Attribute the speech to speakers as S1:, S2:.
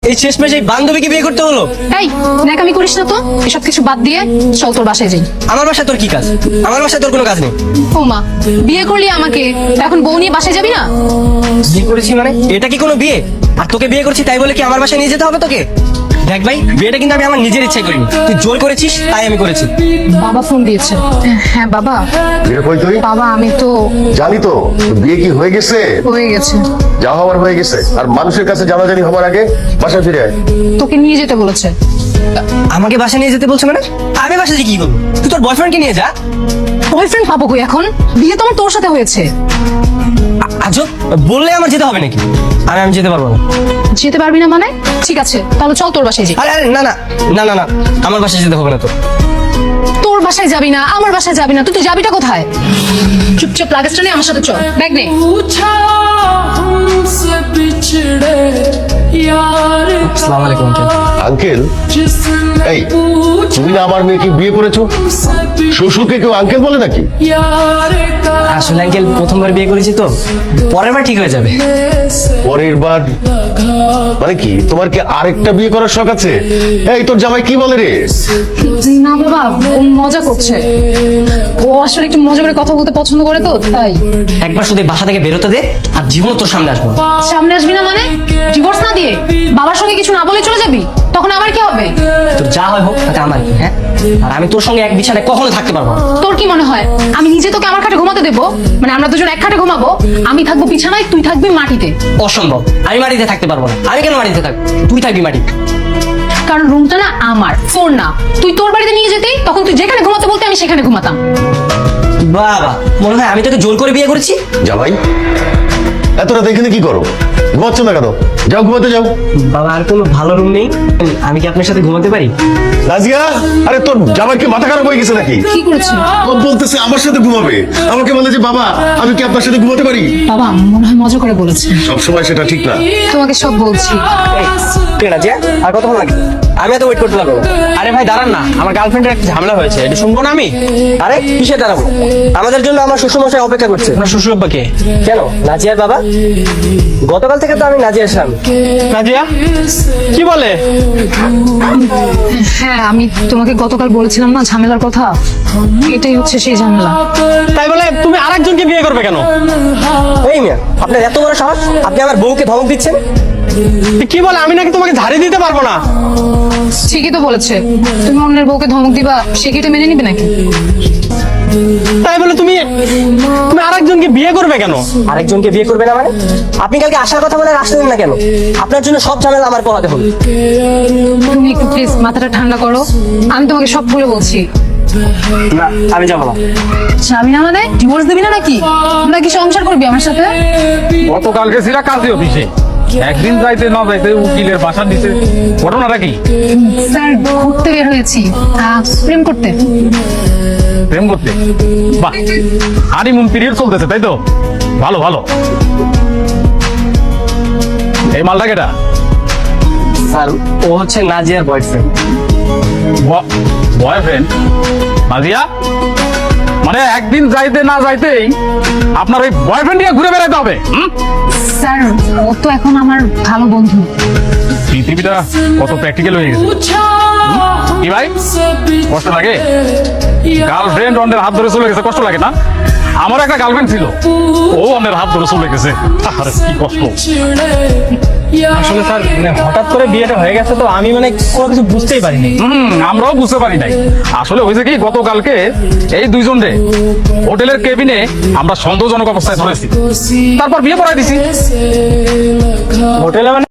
S1: এই শেষমেশ এই বান্ধবীকে বিয়ে করতে হলো।
S2: এই ন্যাকামি করিস না তো, এসব কিছু বাদ দিয়ে চল তোর বাসায় যাই।
S1: আমার বাসায় তোর কি কাজ? আমার বাসায় তোর কোনো কাজ নেই।
S2: ও মা, বিয়ে করলি আমাকে, এখন বউ নিয়ে বাসায় যাবি না?
S1: বিয়ে করেছি মানে এটা কি কোনো বিয়ে? আর তোকে বিয়ে করছি তাই বলে কি আমার বাসায় নিয়ে যেতে হবে তোকে? দেখ ভাই, বিয়েটা কিন্তু আমি আমার নিজের ইচ্ছায় করিনি, তুই জোর করেছিস তাই আমি করেছি।
S2: বাবা ফোন দিয়েছে। হ্যাঁ বাবা।
S3: বিয়ে কই তুই?
S2: বাবা আমি তো
S3: জানি তো তোর বিয়ে কি হয়ে গেছে?
S2: হয়ে গেছে।
S3: যা হওয়ার হয়ে গেছে, আর মানুষের কাছে জানাজানি হবার আগে বাসায় ফিরে আয়।
S2: তোকে নিয়ে যেতে বলেছে।
S1: আমাকে বাসায় নিয়ে যেতে বলছে মানে? আমি বাসায় যে কি করবো? তুই তোর বয়ফ্রেন্ডকে নিয়ে যা।
S2: বয়ফ্রেন্ড পাবো কই এখন? বিয়ে তো আমার তোর সাথে হয়েছে।
S1: আজব, বললে আমার যেতে হবে নাকি? আমি যেতে পারবো না।
S2: যেতে পারবি না মানে? ঠিক আছে তাহলে চল তোর বাসায় যাই।
S1: আরে আরে না না না না না, আমার বাসায় যেতে হবে না তো।
S2: তোর বাসায় যাবি না, আমার বাসায় যাবি না, তুই তো যাবিটা কোথায়? চুপচাপ লাগেজটা নিয়ে আমার সাথে চল, ব্যাগ নে।
S4: पूछा हमसे बिछड़े यार
S1: আসসালামু আলাইকুম আঙ্কেল।
S3: আঙ্কেল?
S4: जिसने
S3: এই
S4: पूछा
S3: তুমি না আমার মেয়েকে বিয়ে করেছো?
S4: हमसे
S3: শ্বশুরকে কেউ আঙ্কেল বলে নাকি?
S4: यार का
S1: আসলে আঙ্কেল প্রথমবার বিয়ে করেছি তো, পরের বার ঠিক হয়ে যাবে।
S3: পরের বার মানে কি, তোমার কি আরেকটা বিয়ে করার শখ আছে? এই তোর জামাই কি বলে রে?
S2: না বাবা, ও মজা করছে। ও আসলে একটু মজা করে কথা বলতে পছন্দ করে তো তাই।
S1: একবার শুধু এই বাসা থেকে বেরোতে দে, আর জীবন তোর সামনে আসবো না।
S2: সামনে আসবি না মানে? ডিভোর্স না দিয়ে বাবার সঙ্গে কিছু না বলে চলে যাবি? তখন আবার কি হবে?
S1: তোর যা হয় হোক, তাতে আমার কি? হ্যাঁ, আর আমি তোর সঙ্গে এক বিছানায় কখনো থাকতে পারবো না।
S2: তোর কি মনে হয় আমি নিজে তোকে আমার খাটে ঘুমাতে দেবো? মানে আমরা দুজন এক খাটে ঘুমাবো, আমি থাকবো বিছানায়, তুই থাকবি মাটিতে।
S1: অসম্ভব, আমি মাটিতে থাকতে পারবো না। আমি কেন মাটিতে থাকবো? তুই থাকবি মাটিতে।
S2: কারণ রুমটা না আমার, তোর না। তুই তোর বাড়িতে নিয়ে যেতেই তখন তুই যেখানে ঘুমাতে বলতে আমি সেখানে ঘুমাতাম।
S1: বাবা, মনে হয় আমি তোকে জোর করে বিয়ে করেছি।
S3: জামাই এত রাত এখানে কি করো? ঘুমাচ্ছ না কেন? যাও ঘুমাতে যাও।
S1: বাবা, আর কোনো ভালো রুম নেই? আমি কি আপনার সাথে ঘুমাতে পারি?
S3: রাজিয়া, আরে তোর জামাই কি মাথা খারাপ হয়ে গেছে নাকি?
S2: কি করেছি?
S3: ও বলতেছে আমার সাথে ঘুমাবে, আমাকে বলে যে বাবা আমি কি আপনার সাথে ঘুমাতে পারি?
S2: বাবা মনে হয় মজা করে বলেছে।
S3: সবসময় সেটা ঠিক না।
S2: তোমাকে সব বলছি।
S1: ঠিক আছে, আর কতক্ষণ লাগে? আমি এত ওয়েট করতে পারবো না।
S5: আরে ভাই দাঁড়ান না, আমার গার্লফ্রেন্ডের একটা ঝামেলা হয়েছে, এটা শুনবো না আমি?
S1: আরে কিসে দাঁড়াবো? আমাদের জন্য আমার শ্বশুরমশাই অপেক্ষা করছে।
S5: আপনার শ্বশুর আব্বাকে?
S1: কেন, নাজিয়ার বাবা? গতকাল থেকে তো আমি নাজিয়ার স্বামী।
S5: নাজিয়া কি বলে?
S2: হ্যাঁ আমি তোমাকে গতকাল বলেছিলাম না ঝামেলার কথা, এটাই হচ্ছে সেই ঝামেলা।
S5: তাই বলে তুমি আরেকজনকে বিয়ে করবে কেন?
S1: এই মিয়া, আপনার এত বড় সাহস, আপনি আমার বউকে ধমক দিচ্ছেন?
S5: কি বলে? আমি নাকি তোমাকে ঝাড়ি দিতে পারবো না?
S2: ঠিকই তো বলেছে, তুমি অন্যের বউকে ধমক দিবা, সে কি এটা মেনে নিবে নাকি?
S5: তাই বলে তুমি তুমি আরেকজনকে বিয়ে করবে কেন?
S1: আরেকজনকে বিয়ে করবে না মানে? আপনি কালকে আসার কথা বলে আর আসলেন না কেন? আপনার জন্য সব ঝামেলা আমার পোহাতে হলো।
S2: তুমি একটু প্লিজ মাথাটা ঠান্ডা করো, আমি তোমাকে সব খুলে বলছি।
S1: না, আমি যাবো না।
S2: যাবি না মানে? ডিভোর্স দিবি না নাকি? নাকি সংসার করবি আমার সাথে?
S6: গতকালকে ছিল কাজী অফিসে, একদিন যাইতে না যাইতে উকিলের বাসা দিছে। ঘটনাটা কি?
S2: স্যার ঘুরতে বের হয়েছি, প্রেম করতে।
S6: প্রেম করতে? বাহ, হানিমুন পিরিয়ড চলতেছে তাই তো? ভালো ভালো। এই মালটা কেটা?
S1: স্যার, ও হচ্ছে নাজিয়ার বয়ফ্রেন্ড।
S6: বয়ফ্রেন্ড? নাজিয়া মানে একদিন যাইতে না যাইতেই আপনার ওই বয়ফ্রেন্ড নিয়ে ঘুরে বেড়াতে হবে?
S2: স্যার ও তো এখন আমার ভালো বন্ধু।
S6: পৃথিবীটা কত প্র্যাকটিক্যাল হয়ে গেছে।
S4: पूछा
S6: কি ভাই, কষ্ট লাগে? গার্লফ্রেন্ড অন্যের হাত ধরে চলে গেছে, কষ্ট লাগে না? আমার একটা গার্লফ্রেন্ড ছিল, ও অন্যের হাত ধরে চলে গেছে। আরে কি কষ্ট।
S5: আসলে স্যার মানে হঠাৎ করে বিয়েটা হয়ে গেছে তো আমি মানে কোনো কিছু বুঝতেই পারিনি।
S6: আমরাও বুঝতে পারি নাই। আসলে হয়েছে কি, গতকালকে এই দুইজন রে হোটেলের কেবিনে আমরা সন্দেহজনক অবস্থায় ধরেছি, তারপর বিয়ে পড়াই দিছি।
S5: হোটেলে মানে